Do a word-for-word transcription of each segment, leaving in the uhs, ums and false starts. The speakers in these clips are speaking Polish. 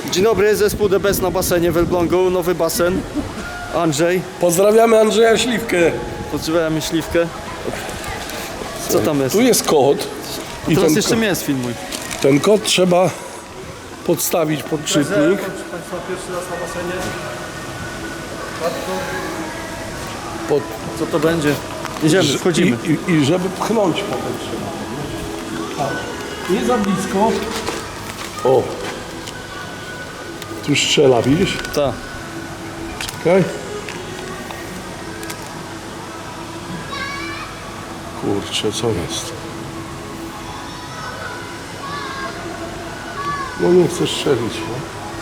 Dzień dobry, zespół The Best na basenie w Elblągu, nowy basen. Andrzej. Pozdrawiamy Andrzeja Śliwkę. Pozdrawiamy Śliwkę. Co tam jest? Tu jest kod. I Teraz ten, jeszcze ko mnie sfilmuj. ten kod trzeba podstawić pod czytnik. Państwa, pierwszy raz na basenie. Pod, Co to będzie? Jedziemy, wchodzimy. I, i, I żeby pchnąć potem trzeba. Tak. Nie za blisko. O. Tu strzela, widzisz? Tak. Czekaj. Kurczę, co jest? No nie chcę strzelić, no.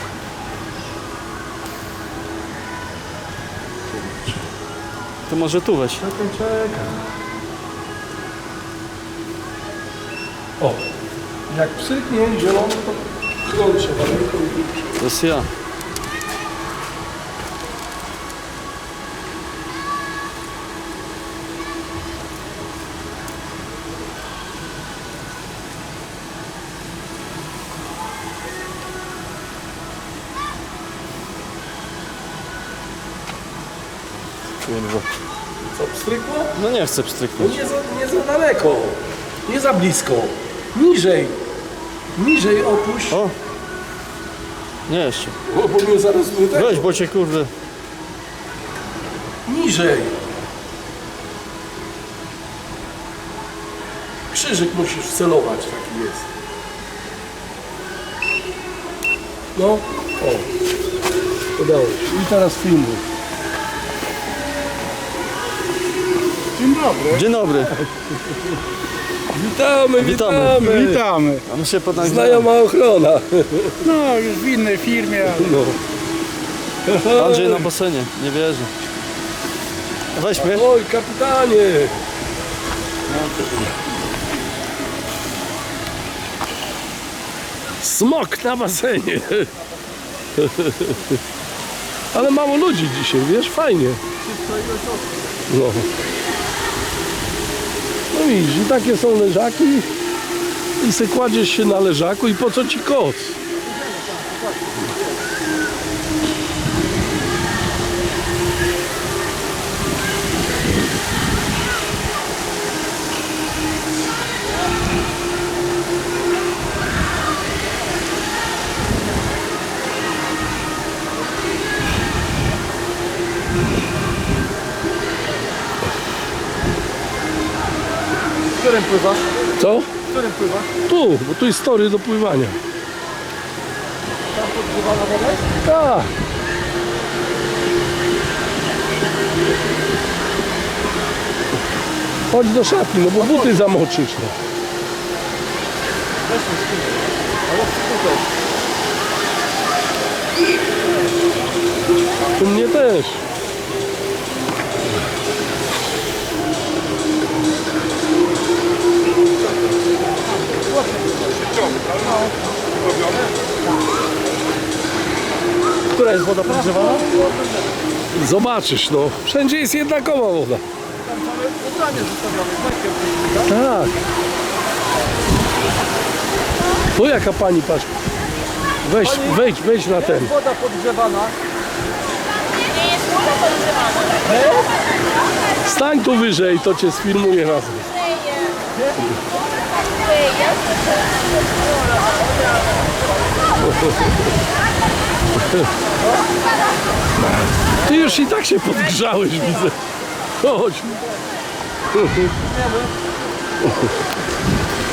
To może tu weź. Czekaj, czekaj. O, jak psyknie zielony, to chrąć trzeba ręką i tu. To jest ja. Kurwa. Co, pstrykło? No nie chcę No pstryknąć. nie za, nie za daleko, nie za blisko. Niżej, niżej opuść. O! Nie jeszcze. O, bo mnie zaraz wytek. Weź, bo cię kurde. Niżej. Krzyżyk musisz wcelować, taki jest. No, o. Udało się. I teraz filmuj. Dzień dobry. Dzień dobry. Witamy, Witamy. witamy. Witamy. A my się podnagliśmy. Znajoma ochrona. No, już w innej firmie, ale No. Andrzej na basenie, nie wierzy. Weź mnie. Oj, kapitanie. Smok na basenie. Ale mało ludzi dzisiaj, wiesz, fajnie. No. No widzisz, i takie są leżaki. I se kładziesz się na leżaku i po co ci koc? W którym pływasz? Co? W którym pływasz? Tu, bo tu jest tory do pływania. Tam podgrzewana woda jest? Tak. Chodź do szatni, no bo buty zamoczysz. No. Weź mnie spójrz. Ale tutaj. U mnie też. Która jest woda podgrzewana? Zobaczysz, no. Wszędzie jest jednakowa woda. Tam mamy ubranie zostawione. Tak. Tu jaka pani, patrz. Weź, Pani- wejdź, wejdź na ten. Jest woda podgrzewana. Stań tu wyżej, to cię sfilmuję razem. Ty już i tak się podgrzałeś, widzę. Chodź.